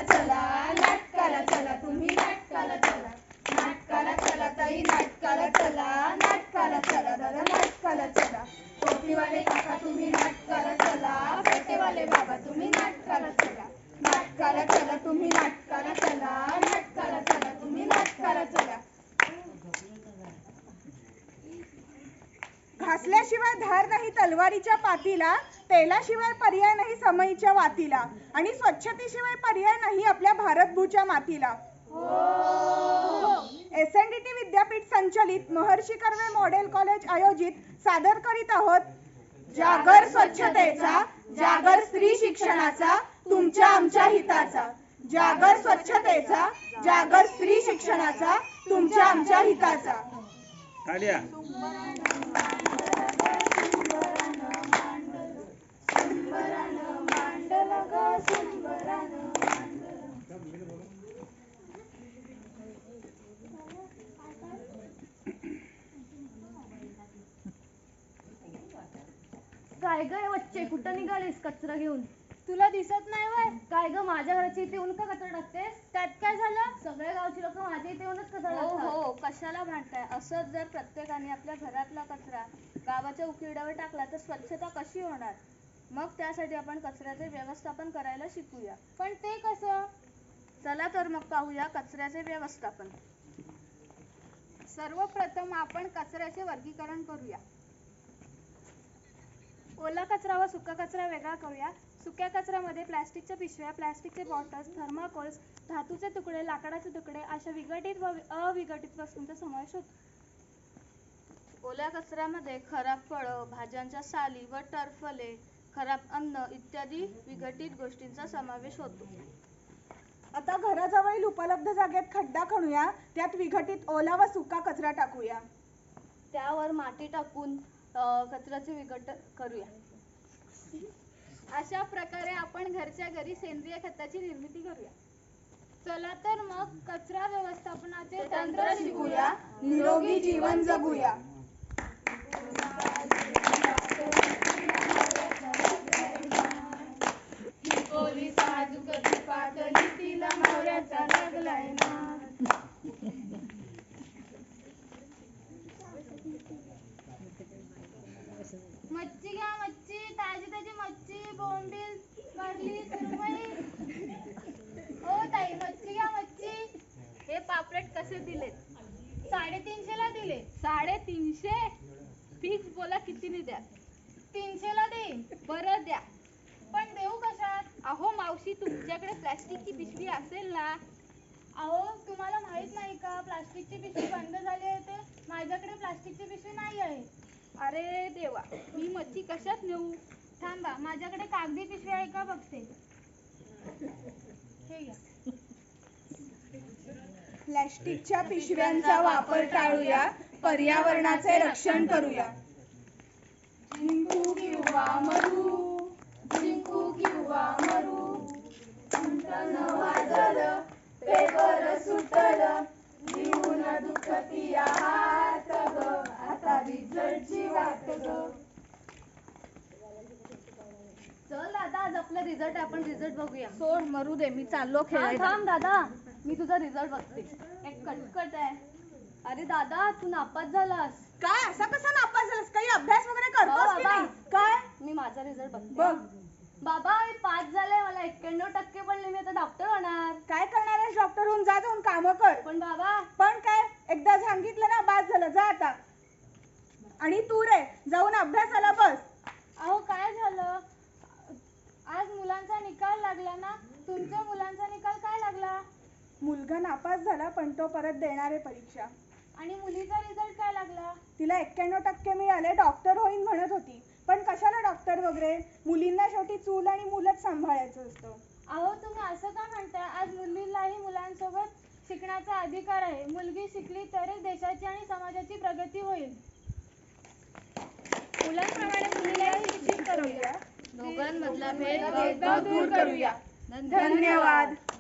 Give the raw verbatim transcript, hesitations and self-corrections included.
चला, नाटकाला चला, तुम्ही नाटकाला चला, नाटकाला चला ताई, नाटकाला चला, नाटकाला चला दादा, नाटकाला चला, टोपीवाले काका तुम्ही नाटकाला चला, पेटेवाले बाबा तुम्ही नाटकाला चला, नाटकाला चला, तुम्ही नाटकाला चला, नाटकाला चला, तुम्ही नाटकाला चला. घासल्याशिवाय धार नाही तलवारीच्या पातीला, तेलाशिवाय पर्याय नाही समईच्या वातीला, आणि स्वच्छतेशिवाय पर्याय नाही आपल्या भारतभूच्या मातीला. एस एन डी टी विद्यापीठ संचलित महर्षी कर्वे मॉडेल कॉलेज आयोजित सादर करीत आहोत जागर स्वच्छतेचा, जागर स्त्री शिक्षणाचा, तुमच्या आमच्या हिताचा. जागर स्वच्छतेचा, जागर स्त्री शिक्षणाचा, तुमच्या आमच्या हिताचा. तालिया. काय ग वच्चे, कुठं निघालीस कचरा घेऊन? तुला दिसत नाही वय? काय ग माझ्या घराची इथे येऊन का कचरा टाकतेस? त्यात काय झालं? सगळे गावची लोक माझ्या इथे येऊनच कचरा हो टाकतात. हो, कशाला भांडताय? असंच जर प्रत्येकाने आपल्या घरातला कचरा गावाच्या उकिरड्यावर टाकला तर स्वच्छता कशी होणार? मग त्यासाठी आपण कचऱ्याचे व्यवस्थापन करायला शिकूया. पण ते कसं? चला तर मग पाहूया कचऱ्याचे व्यवस्थापन. सर्वप्रथम आपण कचऱ्याचे वर्गीकरण करूया. ओला कचरा व सुका कचरा वेगळा करूया. सुक्या कचऱ्यामध्ये प्लॅस्टिकच्या पिशव्या, प्लॅस्टिकचे बॉटल्स, थर्माकोल्स, धातूचे तुकडे, लाकडाचे तुकडे अशा विघटित व अविघटित वस्तूंचा समावेश होतो. ओल्या कचऱ्यामध्ये खराब फळं, भाज्यांच्या साली व टरफले, खराब अन्न इत्यादी विघटित गोष्टींचा समावेश होतो. आता घराजवळील उपलब्ध जागेत खड्डा खणूया, त्यात विघटित ओला व सुका कचरा टाकूया. त्यावर माती टाकून कचऱ्याचे विघटन करूया. अशा प्रकारे आपण घरच्या घरी सेंद्रिय खताची निर्मिती करूया. चला तर मग कचरा व्यवस्थापनाचे तंत्र शिकूया, निरोगी जीवन जगूया. मच्छी घ्या, मच्छी, ताजी ताजी मच्छी, बोंबील, कारली, सुरमई. ओ ताई, मच्छी घ्या, मच्छी. हे पापलेट कसे दिलेत? साडेतीनशे ला दिले. साडेतीनशे? फिक्स बोला कितीने द्या? तीनशे ला देईन. बरं द्या. पण देऊ कशात? अहो मावशी, तुमच्याकडे प्लॅस्टिकची पिशवी असेल ना? अहो तुम्हाला माहित नाही का प्लास्टिकची पिशवी बंद झाली आहे ते? माझ्याकडे प्लास्टिकची पिशवी नाही आहे. अरे देवा, मी मच्छी कशात नेऊ? थांबा, माझ्याकडे कागदी पिशवी आहे का बघते. हे घ्या. प्लॅस्टिकच्या पिशव्यांचा वापर टाळूया, पर्यावरणाचे रक्षण करूया. जिंकू किंवा मरू, जिंकू किंवा मरू, घंटन वाजलं, पेपर सुटलं, लिहून दुखती हात ग, आता रिझल्टची वाट ग. चल दादा, आज आपला रिझल्ट आपण रिझल्ट बघूया. सोड मरू दे, मी चाललो हा, खेळायला. थांब दादा, मी तुझा रिझल्ट बघते. एक कटकट आहे. अरे दादा, तू नापास झालास. काय असा कसा नापास झालास? काही अभ्यास वगैरे करतोस हो, की बाबा. नाही? काय? मी माझा रिझल्ट बघते. बघ. बाबा, मी पास झाले, मला एक्क्याण्णव टक्के पडले, मी आता डॉक्टर होणार. काय करणार आहेस? डॉक्टर होऊन जा, जाऊन काम कर. पण बाबा, पण काय, एकदा सांगितलं ना, बास झालं, जा आता. आणि तू रे, जाऊन अभ्यासाला बस. अहो काय झालं? आज मुलांचा निकाल लागला ना? तुमच्या मुलांचा निकाल काय लागला? मुलगा नापास झाला, पण तो परत देणार आहे परीक्षा. आणि मुलीचा रिझल्ट काय लागला? तिला एक्क्याण्णव टक्के मिळाले, डॉक्टर होईन म्हणत होती. पण कशाला डॉक्टर वगैरे? मुलींना शेवटी चूल आणि मुलंच सांभाळायचं असतं. अहो तुम्ही असं का म्हणताय? आज मुलींनाही मुलांसोबत शिकण्याचा अधिकार आहे. मुलगी शिकली तरच देशाची आणि समाजाची प्रगती होईल. मुलांप्रमाणे मुलीलाही शिक्षित करूया. दोघांमधला भेदभाव दूर करूया. धन्यवाद.